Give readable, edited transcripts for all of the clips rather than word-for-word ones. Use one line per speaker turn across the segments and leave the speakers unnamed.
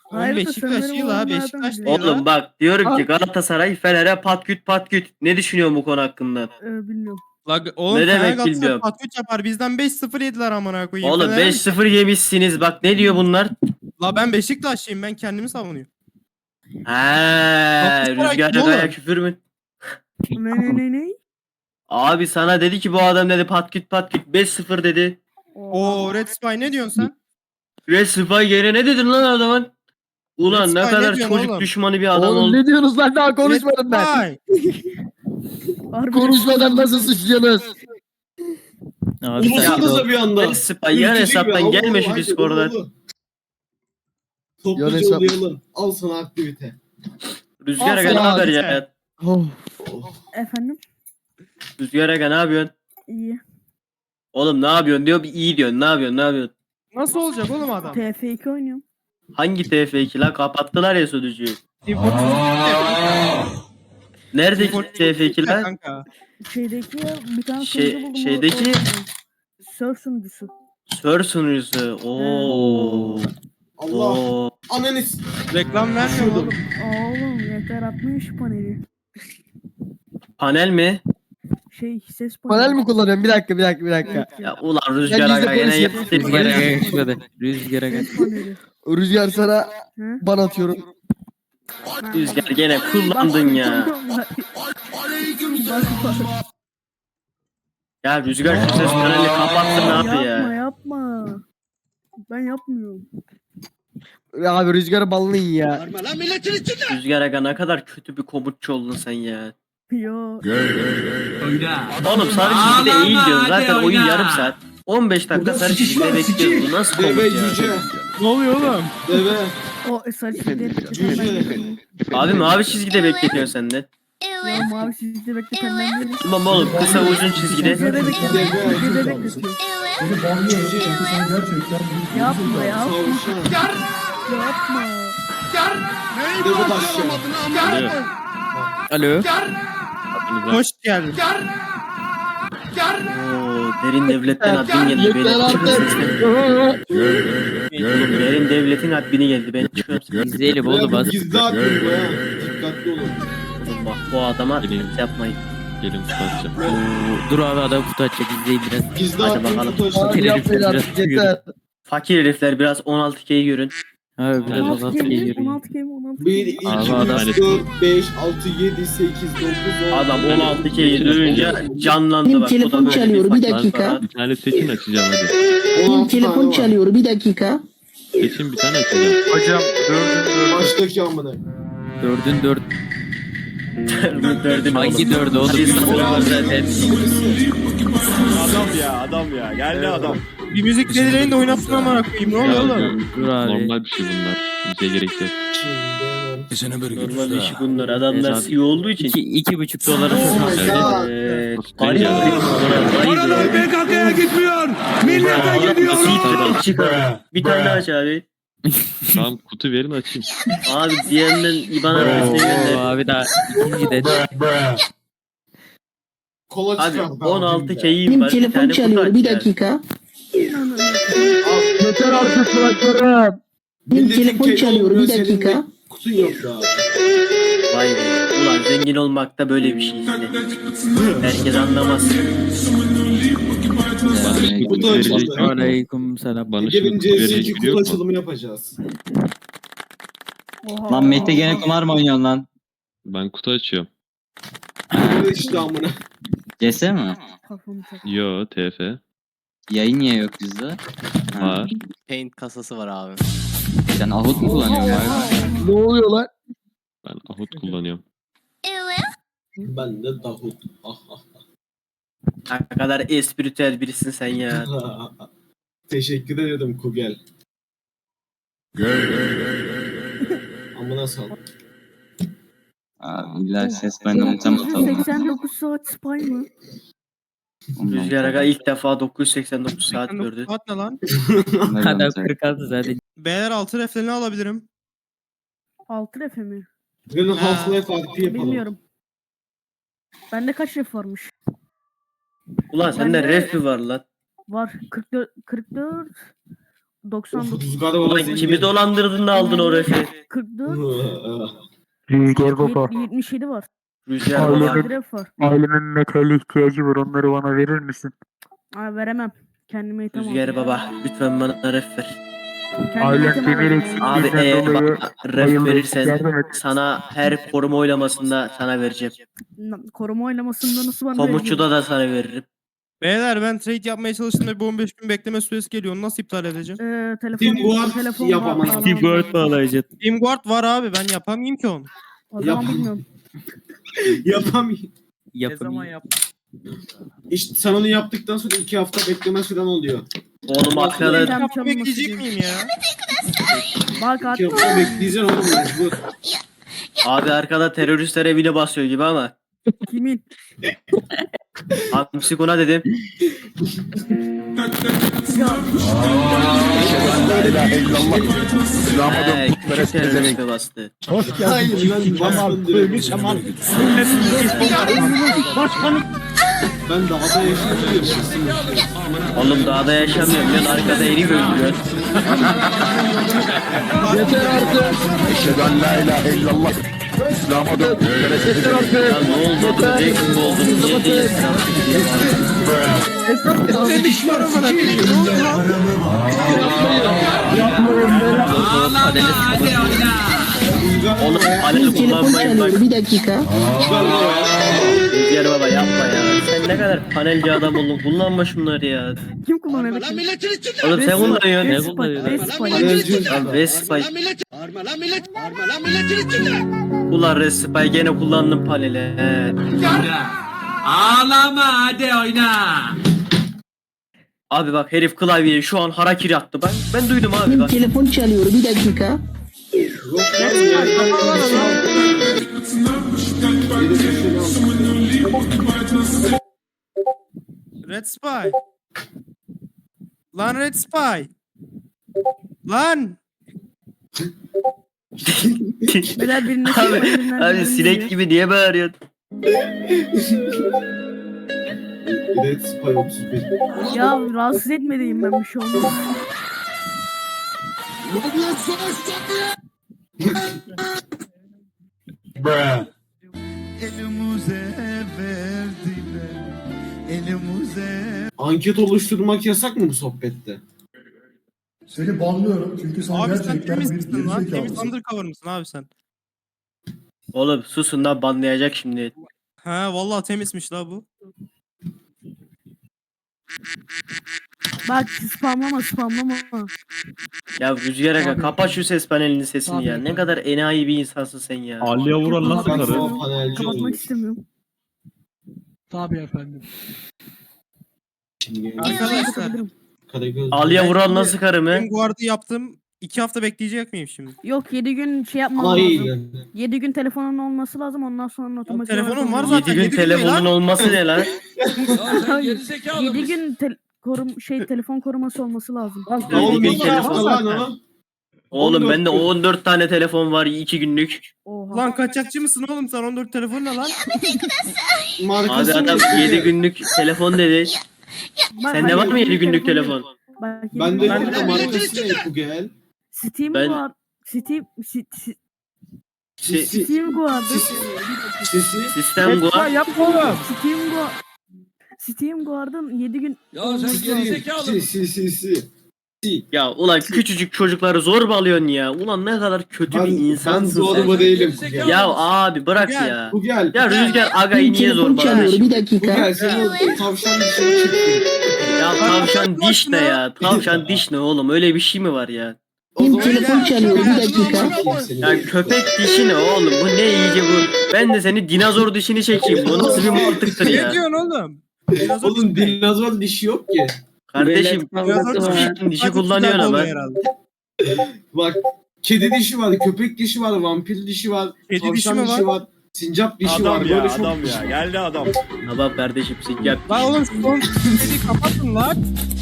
Hayır da
Beşiktaş
sanırım
değil ha.
onlardan
Beşiktaş
biri.
değil ha.
Oğlum bak diyorum ki Galatasaray Fener'e patküt patküt. Ne düşünüyorsun bu konu hakkında?
Bilmiyorum.
La, oğlum
Ne
Fener
demek
Galatasaray
bilmiyorum.
patküç yapar. Bizden 5-0 yediler amına koyayım.
Oğlum
Fener'e mi?
5-0 yemişsiniz. Bak ne diyor bunlar?
La ben Beşiktaşlıyım. Ben kendimi savunuyorum.
He, Rüzgar
kim
Aga'ya
oğlum?
küfür mü?
Ne?
Abi sana dedi ki bu adam dedi patküt patküt 5-0 dedi.
Oo Red Spy ne diyorsun sen?
Resifay yere ne dedin lan adamın? Ulan
Red
ne
Spy
kadar
ne diyorsun
çocuk
oğlum?
düşmanı bir adam
Oğlum
oldu.
ne diyorsunuz lan, daha konuşmadım ben.
Red Spy.
Konuşmadan nasıl suçluyorsunuz?
Abi sen
Konuşsanıza bir anda.
Resifay yan
Ülkücü gibi.
hesaptan
Allah
gelme
Allah,
şu
haydi,
Discord'a.
oğlum. Topluca
hesap-
olayalım. Al sana aktivite.
Rüzgar
Al
Aga ne
sana
haber
abi
ya?
Oh.
Oh.
Efendim?
Rüzgar Aga ne yapıyorsun?
İyi.
Oğlum ne yapıyorsun diyor bir iyi diyorsun. Ne yapıyorsun ne yapıyorsun?
Nasıl olacak oğlum adam?
TF2 oynuyorum.
Hangi TF2 lan kapattılar ya sunucuyu. Nerede TF2 lan?
Kanka.
Şeydeki bir tane
Şey-
sunucu buldum.
şeydeki-
Surf sunucusu.
Sör sunucusu. Oo.
Allah.
Oo.
Ananis.
Reklam vermiyor oğlum.
Oğlum yeter atmayın şu paneli.
Panel mi?
Ses paneli.
Panel mi kullanıyorum? Bir dakika.
Ya ulan Rüzgar
Ben
Aga
bizde
yine
konuşayım.
yaptı.
Rüzgara geçmedi. Rüzgara geç.
Ses paneli.
Rüzgar sana
Hı?
ban atıyorum.
Rüzgar gene kullandın ya. Ya Rüzgar şu ses panelini kapattın ne yaptı ya?
Yapma. Ben yapmıyorum.
Ya abi Rüzgar'ı banlayın ya.
Rüzgar Aga ne kadar kötü bir komutçu oldun sen ya.
Yo.
Oğlum sarı çizgide eğil diyorsun zaten oyun yarım saat. 15 dakika sarı çizgide bekliyoruz. Bu nasıl komut
Deve
ya?
cüce.
Ne oluyor oğlum?
Deve.
O sarı
Cüce.
Abi mavi çizgide bekletiyorsun sen de.
Ya mavi çizgide bekleten ben değilim.
Tamam oğlum kısa uzun çizgide.
Çizgide bekletiyor.
Cüce.
Yapma ya.
Tavşan.
Yapma.
Deve taşı.
Alo.
Hoş geldin.
Oo, derin devletten admin geldi.
Yeter
Beni çıkın
artık.
sesten. Oğlum derin devletin admini geldi. Ben çıkıyorum sesten.
İzleyelim oğlum az.
Gizli atın bu ha. Dikkatli olun.
Oğlum bak bu adama yapmayın.
Gelin tutacağım.
Dur abi adam kutu açacak izleyin biraz.
Gizli
Hadi
atın
bakalım.
taşı.
Abi yapmayın artık yeter.
Fakir herifler biraz 16K'yi görün.
Abi biraz
16
az
kemi,
geliyor.
16 kemi, 16
1,
kemi.
2,
Abi adam-
3, 4, 5, 6, 7, 8, 9, 10.
Adam 16K'yi duyunca canlandı
Benim
bak. Bu da
telefon
böyle
çalıyor, bir
fakir
dakika.
para.
Bir tane seçin açacağım hadi.
Benim
16 tane
telefon
var.
çalıyor, bir dakika.
Seçin bir tane açacağım.
Hocam
Baştaki amına.
dördün dört.
Dördün
Hangi
oğlum.
dördü oğlum?
Hadi sıra var zaten.
Adam ya geldi adam.
Bir müzik dedilerini de oynatsın amına koyayım. Ne oluyor oğlum?
Dur abi.
Normal bir şey bunlar. Bize gerek yok.
Normal işi bunlar. Adamlar
Evet,
CEO olduğu için.
2,5 dolara
Oh my god.
Garip
Paralar PKK'ya gitmiyor. Millete gidiyor.
Çıkar. Bir tane daha aç abi.
Tamam kutu verin açayım.
Abi diğerinden IBAN adresine
Oo,
gönder.
abi daha ikinci de.
Kola
Abi
çıkar.
16K'yim
Benim
var. Bir
telefon
tane kutu
çalıyor,
aç
bir
ya.
dakika.
Yeter artık kulaklarım.
Benim telefon çalıyor, bir dakika.
Kutun yok daha.
Vay be. Ulan zengin olmak da böyle bir şey işte. Herkes anlamaz.
Kutu açıldı.
Aleyküm selam.
Bana
Gelin
şimdi kutu verecek
CS2
biri
kutu
yok mu?
açılımı yapacağız.
Lan
Mehmet'e gene kumar mı oynuyorsun lan?
Ben kutu açıyorum.
Evet işte amına.
CS mi?
Yo TF.
Yayın niye yok bizde? Ha.
Var.
Paint kasası var abi.
Sen Ahut mu kullanıyorsun abi?
Ne oluyor lan?
Ben Ahut kullanıyorum.
Ben de Davut. Ah ah.
Ne kadar espritüel birisin sen ya.
Teşekkür ederim Kugel. Amına sal.
Abi illa ses benden uçam atalım.
89 saat spy mı?
Rüzgar Aga ilk defa 989 saat gördü.
Saat ne lan?
Adam 46 zaten.
Beyler altı reflerini alabilirim.
6 refe mi?
Gelin Half-Life RP yapalım.
Bilmiyorum. Bende kaç ref varmış?
Ulan sende
Ben de-
ref mi var lan?
Var 44 44 99,
Rüzgar baba
Ulan kimi dolandırdın da aldın o refi?
44,
Rüzgar baba.
77 var.
Rüzgar
Ailemin-
baba.
Nadir F var.
Ailemin metale ihtiyacı var. Onları bana verir misin?
Aa, veremem. Kendime item
Rüzgar baba. Lütfen bana ref ver.
Ailem demir
Abi
eksikliğinden dolayı
bak ref
bayıldım.
verirsen
Yardım et.
sana her koruma oylamasında sana vereceğim.
Koruma oylamasında nasıl bana
Komutçuda da sana veririm.
Beyler ben trade yapmaya çalıştığımda bu 15 gün bekleme süresi geliyor. Onu nasıl iptal edeceğim?
Telefon
yapamam.
Teamguard bağlayacaksın.
Teamguard var abi, ben yapamayayım ki onu.
O zaman
Yapamam.
bilmiyorum.
Yapamıyorum.
Yapamıyor.
İşte sen onu yaptıktan sonra 2 hafta bekleme süren oluyor.
Oğlum arkada
Tam
2 hafta
çalınması
bekleyecek
değil.
miyim ya?
Bak
2 hafta bekleyeceksin oğlum mecbur.
abi arkada teröristler evine basıyor gibi ama.
kimin?
Hamsikuna dedim. Küçük teröriste bastı.
Hayır lan basın direkt. Ben dağda yaşıyorum.
Oğlum dağda yaşamıyorum lan arkada eri öldürüyor.
Yeter artık.
Ya ne oldu? Direkt mi oldu? Niye değilsin Oğlum paneli
Telefon
kullanmayın bak.
çalıyor. Bir dakika.
Rüzgar baba yapma ya. Sen ne kadar panelci adam oldun. Kullanma şunları ya.
Kim kullanıyor?
Oğlum sen kullanıyorsun.
Ne kullanıyor?
Lan Respay. Ulan Respay gene kullandım paneli. He.
Ağlama hadi oyna.
Abi bak herif klavyeye şu an harakiri attı. Ben duydum abi
Benim
bak.
telefon çalıyor. Bir dakika.
Red Spy. Lan Red Spy. Lan.
Beyler birine
Abi sinek gibi niye bağırıyorsun?
Red Spy 31.
Ya rahatsız etmediğim ben bir şey olmaz.
Anket oluşturmak yasak mı bu sohbette?
Seni banlıyorum çünkü sen
Abi sen
gerçekten
temiz
bir
misin lan? Temiz
gerizekalısın.
undercover mısın abi sen?
Oğlum susun lan banlayacak şimdi.
Ha vallahi temizmiş la bu.
Bak spamlama.
Ya Rüzgar Aga kapat şu ses panelinin sesini ya. Ne kadar enayi bir insansın sen ya.
Aliye vuran nasıl
Ben
karı?
sana panelci
Kapatmak
olmuş.
istemiyorum.
Tabii efendim.
Şimdi
Arkadaşlar
Kapatabilirim.
Karagöz.
Aliye vuran nasıl karı mı?
Teamguard'ı yaptım. 2 hafta bekleyecek miyim şimdi?
Yok 7 gün şey yapmam lazım.
Hayır.
7 gün telefonun olması lazım ondan sonra otomatik.
telefonum var
7
zaten.
gün
yedi gün değil
telefonun
lan.
olması ne lan?
7 gün telefon koruması olması lazım.
Ne oldu?
gün
Bir
telefon
hafta lan o.
Oğlum bende 14 tane telefon var 2 günlük.
Oha.
Lan kaçakçı mısın oğlum sen 14 telefon ne lan?
Abi
Markası
adam
ne?
7 günlük telefon dedi.
Bak,
Sende var mı 7 günlük telefon?
Bak, yedi
Ben de
gün-
burada markası ne bu gel?
Steam
Ben-
Guard. Steam
Si-
Steam Guard'ı.
Sesi.
Sistem bu.
Yapma oğlum.
Steam Guard'ın 7 gün
Ya
olması
sen
lazım.
gerizekalı.
Si.
Ya ulan küçücük çocukları zor bağlıyorsun ya. Ulan ne kadar kötü bir
Ben
insansın sen.
zorba değilim bu gel.
Ya abi bırak
Gel.
ya.
Bu gel.
Ya Rüzgar Aga'yı
Benim
niye
telefon çalıyor.
zorbalıyorsun?
Bir
Bu
dakika.
gel. Senin o tavşan dışarı çıktı.
Ya tavşan diş ne ya? Tavşan diş ne oğlum? Öyle bir şey mi var ya?
Benim telefon çalıyor. Bir dakika.
Ya köpek dişi ne oğlum? Bu ne iyice bu? Ben de seni dinozor dişini çekeyim. Bu nasıl bir mantıktır
Ne
ya?
diyorsun oğlum?
Oğlum dinozor dişi yok ki.
Kardeşim dişi kullanıyor ama.
Bak kedi dişi var, köpek dişi var, vampir dişi var,
Kedi
tavşan
dişi mi
dişi var, sincap dişi var. Böyle çok dişi.
Geldi adam.
Tamam kardeşim sincap.
Lan oğlum şu son sesini kapatın lan.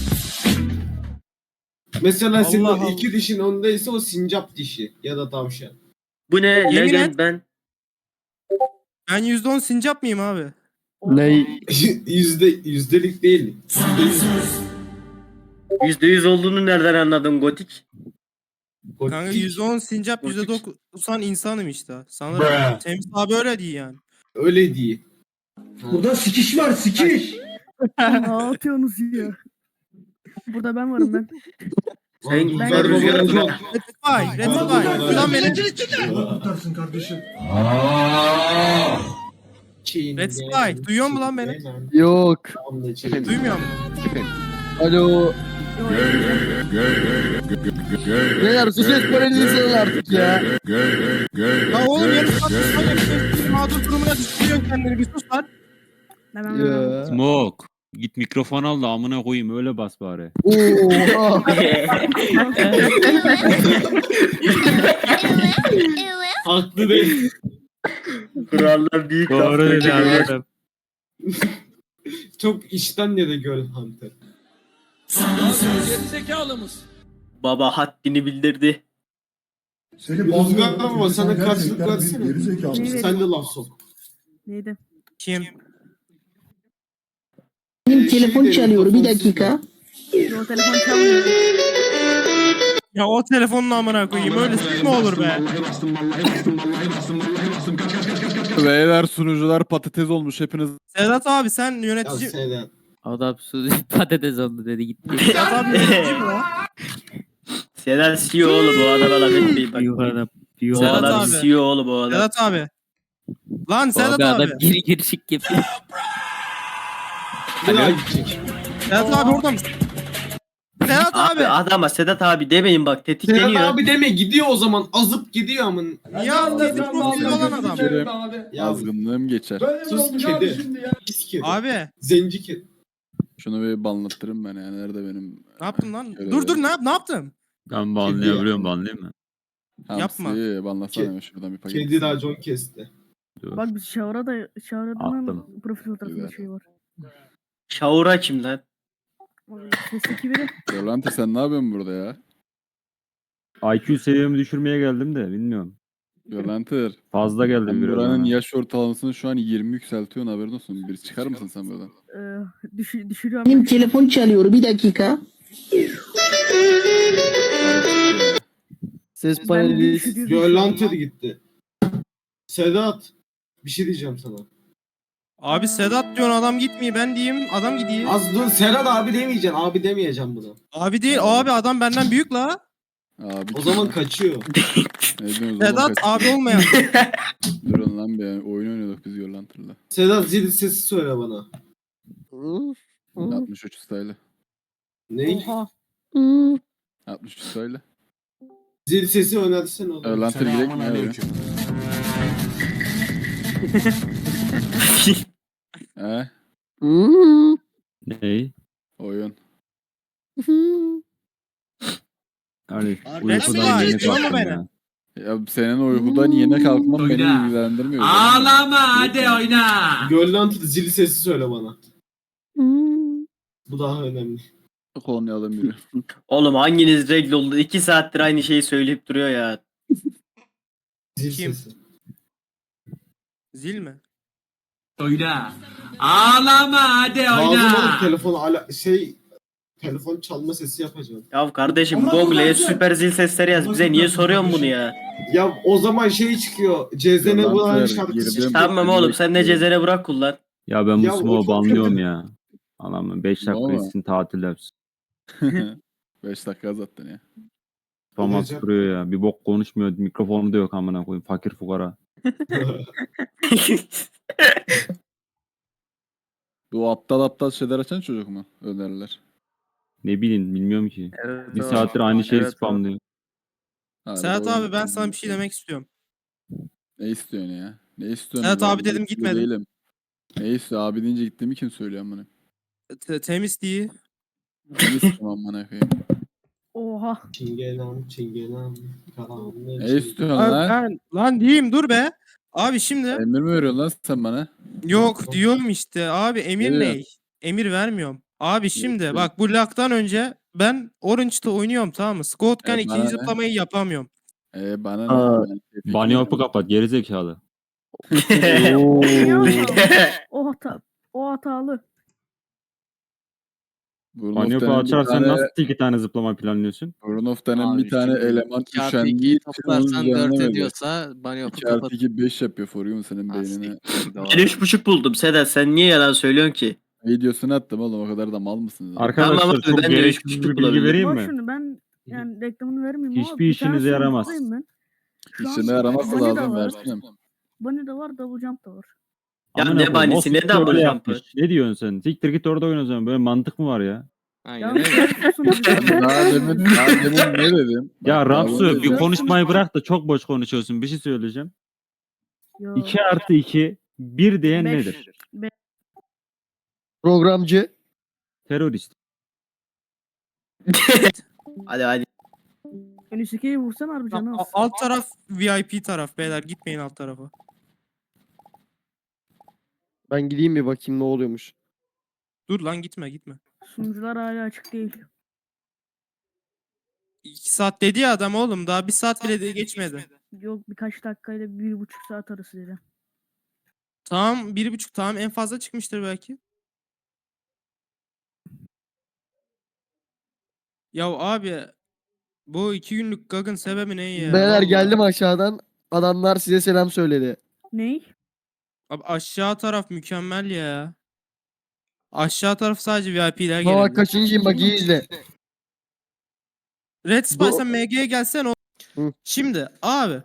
Mesela senin
Allah
o
Allah.
iki dişin ondaysa o sincap dişi ya da tavşan.
Bu ne?
Yemin
Legend
et.
ben.
Ben %10 sincap mıyım abi?
Ne?
Yüzdelik değil.
%100 olduğunu nereden anladın Gotik?
Kanka %10 sincap %90 insanım işte. Sana Temiz abi öyle değil yani.
Öyle değil.
Burada sikiş var sikiş.
Ne atıyorsunuz ya? Burada ben varım ben.
Sen
Ben
ben
rüzgar alacağım.
Rectify. Ulan beni
Tutarsın kardeşim.
Rectify. Duyuyor musun lan beni?
Yok.
Duymuyor mu?
Alo. Beyler su ses paralelini salın artık ya.
Ya oğlum yarın saat mağdur durumuna düşürüyorsun kendini bir sus lan.
Ben varım.
Smoke. Git mikrofon al da amına koyayım öyle bas bari.
Oha.
Haklı değil.
kurallar büyük laf
Doğru dedi
dökülüyor.
anladım.
Çok işten yere göl Hunter.
Baba haddini bildirdi.
Seni
Rüzgar
bağlıyorum.
ama
çünkü
sana
sen
karşılık
gerçekten
versene.
bir gerizekalı.
Evet.
Sen de laf sok.
Neydi?
Kim?
Benim telefon çalıyor bir dakika.
O telefon çalmıyor.
Ya o telefonun amına koyayım öyle mi olur be?
Beyler sunucular patates olmuş hepiniz.
Sedat abi sen
Ya
yönetici...
Sedat.
Adam su patates oldu dedi gitti.
Sedat abi yönetici mi lan?
Sedat CEO oğlum bu adama laf etmeyin bak.
Yukarıda.
Bu
Sedat
adam
abi.
CEO oğlum bu adam.
Sedat abi. Lan Sedat abi.
geri girişik yapıyor.
Bir daha gidecek.
Sedat abi orada mısın? Sedat
Abi
abi.
adama Sedat abi demeyin bak
Sedat
tetikleniyor.
abi deme gidiyor o zaman. Azıp gidiyor amın.
Ya dedi profil olan adam.
Ya
Azgınlığım geçer.
sus kedi. Pis kedi.
Abi
Zenci kedi.
Şunu bir banlattırın ben ya. Nerede benim?
ne yaptın lan?
Şöyle
Dur
bir-
ne yaptın?
Ben banlayabiliyorum banlayayım mı?
Yapma.
Hamsiyi banlasana
Ke-
hemen şuradan bir paket.
Kedi racon kesti.
Dur.
Bak biz Şavra'nın
Attım.
profil fotoğrafında
Güzel.
şey var.
Şaura kim lan?
O sesteki biri.
Yolanta sen ne yapıyorsun burada ya?
IQ seviyemi düşürmeye geldim de bilmiyorum.
Yolanter.
Fazla geldim
Sen
biraz.
buranın
bana.
yaş ortalamasını şu an 20 yükseltiyorsun haberin olsun. Bir çıkar mısın sen buradan?
Düşürüyorum.
Benim telefon çalıyor bir dakika.
Ses
Ben
paneli.
düşürüyorum.
Yolantır gitti. Sedat. Bir şey diyeceğim sana.
Abi Sedat diyorsun adam gitmiyor ben diyeyim adam gidiyor.
Az dur Serhat abi demeyeceksin. Abi demeyeceğim bunu.
Abi değil abi adam benden büyük la.
Abi
O zaman kaçıyor.
ne diyorsunuz oğlum?
Sedat abi olmayan.
Durun lan bir oyun oynuyorduk biz Yolanter'la.
Sedat zil sesi söyle bana.
63 style.
Ne?
Oha.
63 style.
Zil sesi önersene oğlum.
Yolanter gidelim mi abi? He?
Ney?
Oyun.
Yani
Resmi
uykudan
var,
yeni
duyuyor mu
kalktım
beni?
ya.
Ya senin uykudan yeni kalkman beni
Oyna.
ilgilendirmiyor.
Ağlama hadi oyna.
Yolantır zil sesi söyle bana. Bu daha önemli.
Kolonyalım biri.
Oğlum hanginiz regl oldu? 2 saattir aynı şeyi söyleyip duruyor ya.
Zil
Kim?
sesi.
Zil mi?
Oyna. Ağlama hadi
Lazım
oyna.
oğlum telefon çalma sesi yapacağım.
Ya kardeşim Google'e süper zil sesleri yaz. Bize niye soruyorsun bunu ya?
Ya o zaman şey çıkıyor. Cezene
Yolantır,
Burak'ın şarkısı
girdim.
çıkıyor.
Tamam oğlum sen de cezene bırak kullan.
Ya ben
Ya
bu
o
smoke'u
çok
banlıyorum
kötü.
ya. Anam 5 dakika
Valla.
gitsin tatil yapsın.
5 dakika zaten ya.
Famas
Olacak.
duruyor ya. Bir bok konuşmuyor. Mikrofonu da yok amına koyayım. Fakir fukara.
Bu aptal şeyler açan çocuk mu? Öneriler.
Ne bileyim bilmiyorum ki.
Evet,
Bir
o.
saattir aynı şeyi
Evet, o.
spamlıyor.
Harbi
Sedat
oyun
abi ben sana bir şey
oynuyor.
demek istiyorum.
Ne istiyorsun ya? Ne istiyorsun?
Sedat
Ben
abi dedim,
mutlu
gitmedim.
Değilim. Ne istiyor? Abi deyince gittiğimi kim söylüyor amına?
Temiz değil.
Ne istiyorum amına koyayım?
Oha.
Çingenem.
Ne istiyorsun
Abi
lan?
lan diyeyim dur be. Abi şimdi
Emir mi veriyorsun lan sen bana?
yok diyorum işte abi emir
Ne
ne?
diyorsun?
Emir vermiyorum. Abi şimdi
diyorsun?
bak bu laktan önce ben Orange'da oynuyorum tamam mı? Scott'kan
bana
ikinci
ne?
zıplamayı yapamıyorum.
Bana ne?
Aa,
Ben
Bunny hop'u kapat gerizekalı.
O hatalı.
Burnoff
Banyofu
denen bir
açarsan
tane,
nasıl 2 tane zıplama planlıyorsun?
Burnoff denen
Abi
bir tane
şimdi
eleman
2 artı
üşendiği
2'yi
için onun
toplarsan 4
düzenlemedi.
ediyorsa Banyofu
2 artı
kapat.
2 5 yapıyor Forium senin
Ha,
beynine.
siktir, doğru.
Ben 3,5 buldum Sedat, sen niye yalan söylüyorsun ki?
Videosunu attım oğlum, o kadar da mal mısınız?
Arkadaşlar
Tamam abi,
çok
ben de
gereksiz
3,5
bir bilgi
bulabilirim.
vereyim
Bak
mi?
şunu ben yani reklamını vermeyeyim ama
Hiçbir
bir tane
işinize yaramaz.
sonuncudayım ben. Şu an
İşine yaraması
Bunny da
lazım
var.
versin.
Bunny de var, Double Jump da var.
Ya
Amına
ne
koyayım,
banisi,
o
ne
siktir
double
öyle
jump'ı?
yapmış. Ne diyorsun sen? Siktir git orada oyna o zaman. Böyle mantık mı var ya?
Aynen
Ya
öyle.
sen sunucu
Daha demin ne dedim?
Ya
Bak,
Rapsu
daha
bir
demin-
konuşmayı bırak da çok boş konuşuyorsun. Bir şey söyleyeceğim.
Yo.
2 artı 2 1 diyen
Beş.
nedir?
Programcı.
Terörist.
Hadi.
Önüsükeyi vursan harbi canı az.
Alt taraf VIP taraf beyler, gitmeyin alt tarafa.
Ben gideyim bir bakayım ne oluyormuş.
Dur lan, gitme.
Sunucular hala açık değil.
2 saat dedi ya adam oğlum, daha 1 saat bile de geçmedi.
Yok, birkaç dakikayla 1,5 saat arası dedi.
Tamam 1,5, tamam en fazla çıkmıştır belki. Ya abi bu 2 günlük gagın sebebi ne ya?
Beyler
Vallahi.
geldim aşağıdan. Adamlar size selam söyledi.
Ney?
Abi aşağı taraf mükemmel ya. Aşağı taraf sadece VIP'ler
Bak
gelebilir.
kaçıncıyım bak iyi izle.
Red Spy sen MG'ye gelsen o.
Hı.
Şimdi abi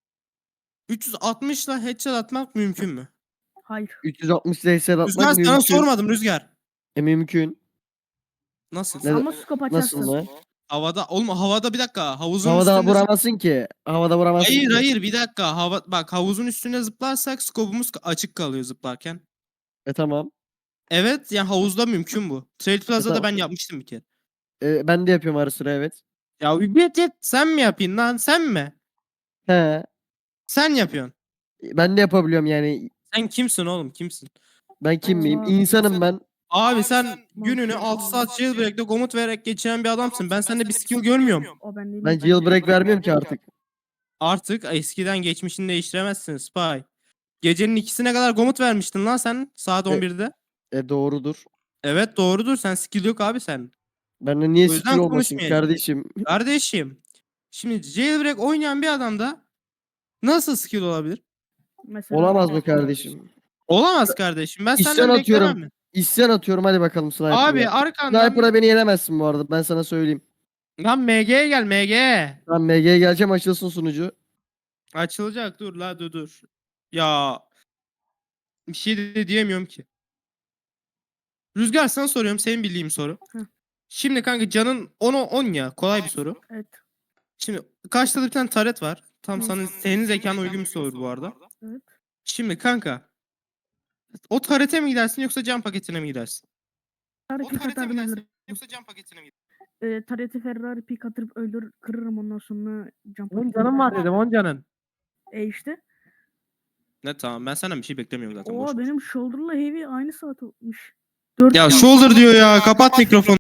360 ile headshot atmak mümkün mü?
Hayır.
360 DSL atmak
Rüzgar sana
mümkün.
sormadım Rüzgar.
Mümkün.
Nasıl?
Ne-
Ama scope açarsın.
Nasıl mı?
Havada oğlum, havada bir dakika, havuzun
Havada
üstünde
vuramazsın ki. Havada vuramazsın ki.
Hayır bir dakika, bak havuzun üstüne zıplarsak skopumuz açık kalıyor zıplarken.
Tamam.
Evet yani havuzda mümkün bu. Trade Plaza'da
tamam.
ben yapmıştım bir kere.
Ben de yapıyorum ara sıra evet.
Ya yet sen mi yapayım lan, sen mi?
He.
Sen yapıyorsun.
Ben de yapabiliyorum yani.
Sen kimsin oğlum, kimsin?
Ben kim miyim?
Aa,
İnsanım ben.
Abi sen gününü 6 saat jailbreak'te komut vererek geçiren bir adamsın. Ben sende bir skill görmüyorum.
O ben değilim.
Ben jailbreak vermiyorum ki artık.
Artık eskiden geçmişini değiştiremezsin Spy. Gecenin 2'sine kadar komut vermiştin lan sen saat 11'de.
Doğrudur.
Evet doğrudur, sen skill yok abi sen.
Bende niye
O yüzden
skill olmasın
konuşmayayım.
kardeşim?
Kardeşim. Şimdi jailbreak oynayan bir adamda nasıl skill olabilir?
Mesela,
Olamaz mı kardeşim?
Olamaz kardeşim. Ben
İsyan
senden
atıyorum.
beklemem mi?
İsyan atıyorum hadi bakalım sniper'a.
Abi arkandan
Sniper'a beni yenemezsin bu arada ben sana söyleyeyim.
lan MG'ye gel MG.
Ben MG'ye geleceğim açılsın sunucu.
Açılacak, dur la dur. Ya bir şey de diyemiyorum ki. Rüzgar sana soruyorum, senin bildiğin soru.
Hı.
Şimdi kanka canın 10'a 10 ya, kolay bir soru.
evet.
Şimdi karşıda bir tane taret var. Tam
Hı.
senin zekana uygun bir soru bu arada.
Evet.
Şimdi kanka o tarete mi gidersin yoksa can paketine mi gidersin?
Tarih atarım.
yoksa can paketine mi
Tarihte Ferrari pik atırıp kırırım ondan sonra jump.
10 canım var dedim, 10 canın.
İşte.
Ne tamam, ben senden bir şey beklemiyorum zaten. boş
Oo
ver.
benim shoulder'la heavy aynı saat olmuş.
Ya shoulder diyor ya, kapat mikrofonu.